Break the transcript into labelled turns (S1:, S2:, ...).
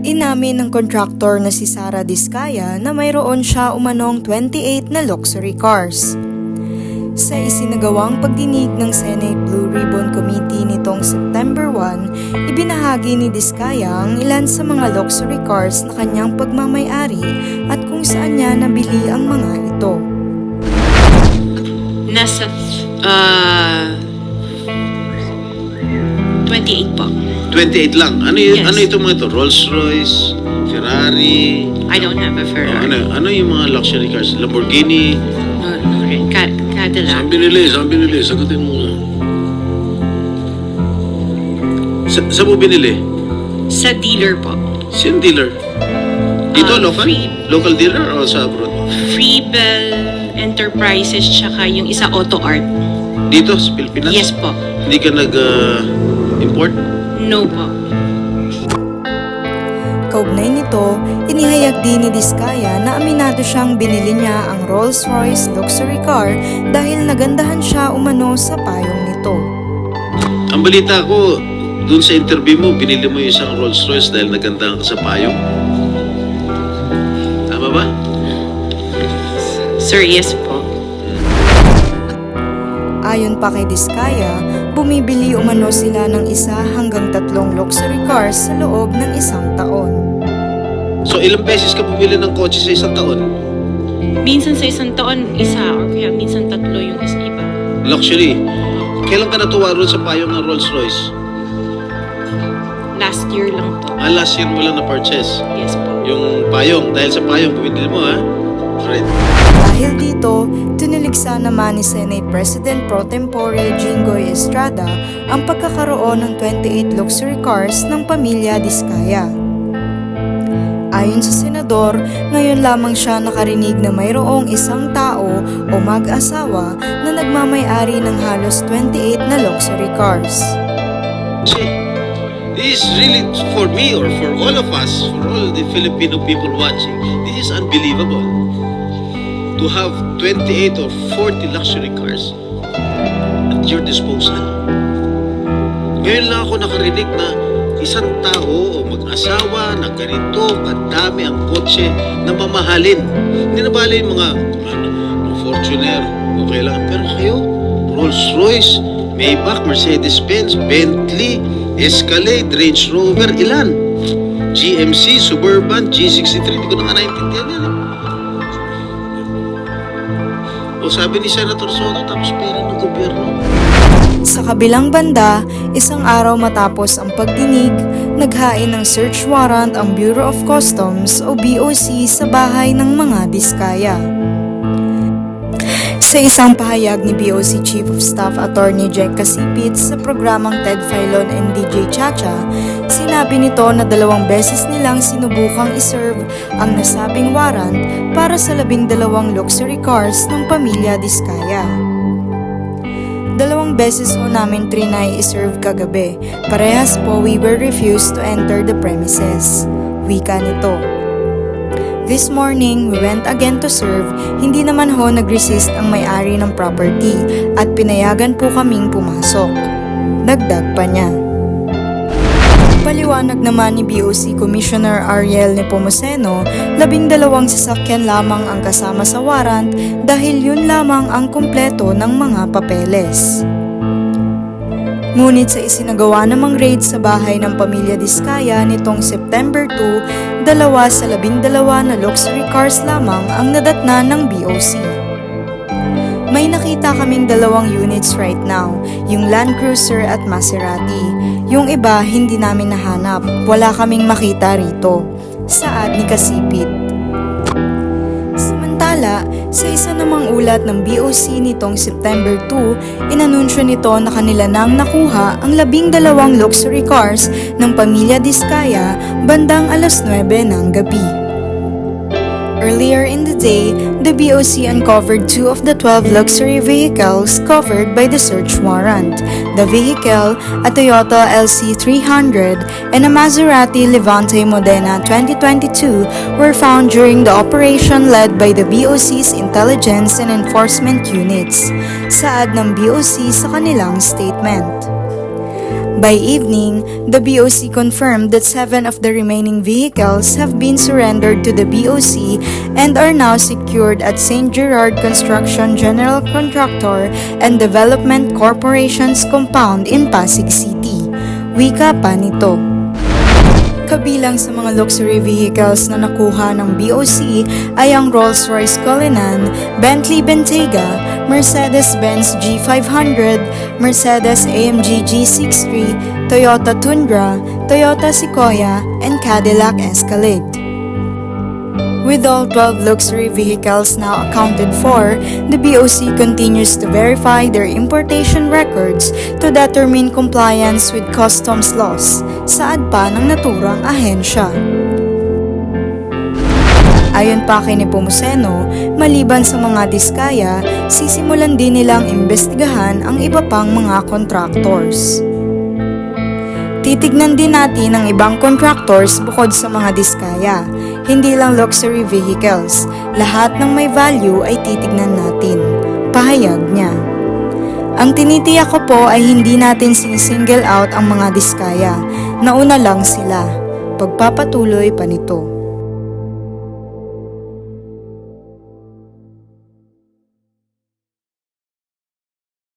S1: Inamin ng kontraktor na si Sara Diskaya na mayroon siya umanong 28 na luxury cars. Sa isinagawang pagdinig ng Senate Blue Ribbon Committee nitong September 1, ibinahagi ni Diskaya ang ilan sa mga luxury cars na kanyang pagmamay-ari at kung saan niya nabili ang mga ito.
S2: Nasa 28 po.
S3: 28 lang. Ano
S2: Yes.
S3: ano itong mga ito? Rolls-Royce, Ferrari.
S2: I don't have a Ferrari.
S3: Ano yung mga luxury cars? Lamborghini.
S2: Cadillac.
S3: Saan binili? Sagutin mo na. Saan mo binili?
S2: Sa dealer po.
S3: Sino dealer? Dito, local?
S2: Free.
S3: Local dealer o sa abroad?
S2: Freebell Enterprises tsaka yung isa Auto Art.
S3: Dito, sa Pilipinas?
S2: Yes po.
S3: Hindi ka nag-import?
S2: No po.
S1: Kaugnay nito, inihayag din ni Diskaya na aminado siyang binili niya ang Rolls-Royce luxury car dahil nagandahan siya umano sa payong nito.
S3: Ang balita ko, dun sa interview mo, binili mo yung isang Rolls-Royce dahil nagandahan ka sa payong. Tama ba?
S2: Sir, yes po.
S1: Ayon pa kay Diskaya, bumibili umano sila ng 1 hanggang 3 luxury cars sa loob ng 1 taon.
S3: So, ilang beses ka bumili ng kotse sa isang taon?
S2: Minsan sa isang taon, isa or kaya minsan 3 yung iba.
S3: Luxury. Kailan ka natuwa ron sa payong ng Rolls-Royce?
S2: Last year lang po.
S3: Last year mo lang na-purchase.
S2: Yes po.
S3: Yung payong. Dahil sa payong, bumili mo, ha? Alright.
S1: Dahil dito, tiniligsa naman ni Senate President Pro Tempore Jinggoy Estrada ang pagkakaroon ng 28 luxury cars ng pamilya Diskaya. Ayon sa senador, ngayon lamang siya nakarinig na mayroong isang tao o mag-asawa na nagmamay-ari ng halos 28 na luxury cars.
S3: See, this is really for me or for all of us, for all the Filipino people watching, this is unbelievable. To have 28 or 40 luxury cars at your disposal. Ngayon lang ako nakarinig na isang tao o mag-asawa na ganito kadami ang kotse na mamahalin. Hindi na bala yung mga Fortuner, okay lang. Pero kayo, Rolls-Royce, Maybach, Mercedes-Benz, Bentley, Escalade, Range Rover, ilan? GMC, Suburban, G63, hindi ko na nga naintindihan yan. O sabi ni Senator Soto, tapos pera ng gobyerno.
S1: Sa kabilang banda, isang araw matapos ang pagdinig, naghain ng search warrant ang Bureau of Customs o BOC sa bahay ng mga Diskaya. Sa isang pahayag ni BOC Chief of Staff Attorney Jack Casipit sa programang Ted Filon and DJ Chacha, sinabi nito na 2 beses nilang sinubukang iserve ang nasabing warrant para sa 12 luxury cars ng pamilya Diskaya. 2 beses ho namin trinay iserve kagabi, parehas po we were refused to enter the premises. Wika nito. This morning, we went again to serve, hindi naman ho nag-resist ang may-ari ng property at pinayagan po kaming pumasok. Dagdag pa niya. Paliwanag naman ni BOC Commissioner Ariel Nepomuceno, 12 sasakyan lamang ang kasama sa warrant dahil yun lamang ang kumpleto ng mga papeles. Ngunit sa isinagawa namang raid sa bahay ng pamilya Diskaya nitong September 2, 2 sa 12 na luxury cars lamang ang nadatna ng BOC. May nakita kaming 2 units right now, yung Land Cruiser at Maserati. Yung iba hindi namin nahanap, wala kaming makita rito. Saad ni Kasipit. Samantala, sa isa namang ulat ng BOC nitong September 2, inanunsyo nito na kanila nang nakuha ang 12 luxury cars ng pamilya Diskaya bandang 9:00 ng gabi. Earlier in the day, the BOC uncovered 2 of the 12 luxury vehicles covered by the search warrant. The vehicle, a Toyota LC300 and a Maserati Levante Modena 2022, were found during the operation led by the BOC's Intelligence and Enforcement Units, saad ng BOC sa kanilang statement. By evening, the BOC confirmed that 7 of the remaining vehicles have been surrendered to the BOC and are now secured at St. Gerard Construction General Contractor and Development Corporation's compound in Pasig City. Wika pa nito. Kabilang sa mga luxury vehicles na nakuha ng BOC ay ang Rolls-Royce Cullinan, Bentley Bentayga, Mercedes-Benz G500, Mercedes-AMG G63, Toyota Tundra, Toyota Sequoia, and Cadillac Escalade. With all 12 luxury vehicles now accounted for, the BOC continues to verify their importation records to determine compliance with customs laws, saad pa ng naturang ahensya. Ayon pa kay Nepomuceno, maliban sa mga diskaya, sisimulan din nilang imbestigahan ang iba pang mga contractors. Titignan din natin ang ibang contractors bukod sa mga diskaya. Hindi lang luxury vehicles, lahat ng may value ay titignan natin. Pahayag niya. Ang tinitiyak ko po ay hindi natin sinisingle out ang mga diskaya. Nauna lang sila. Pagpapatuloy pa nito.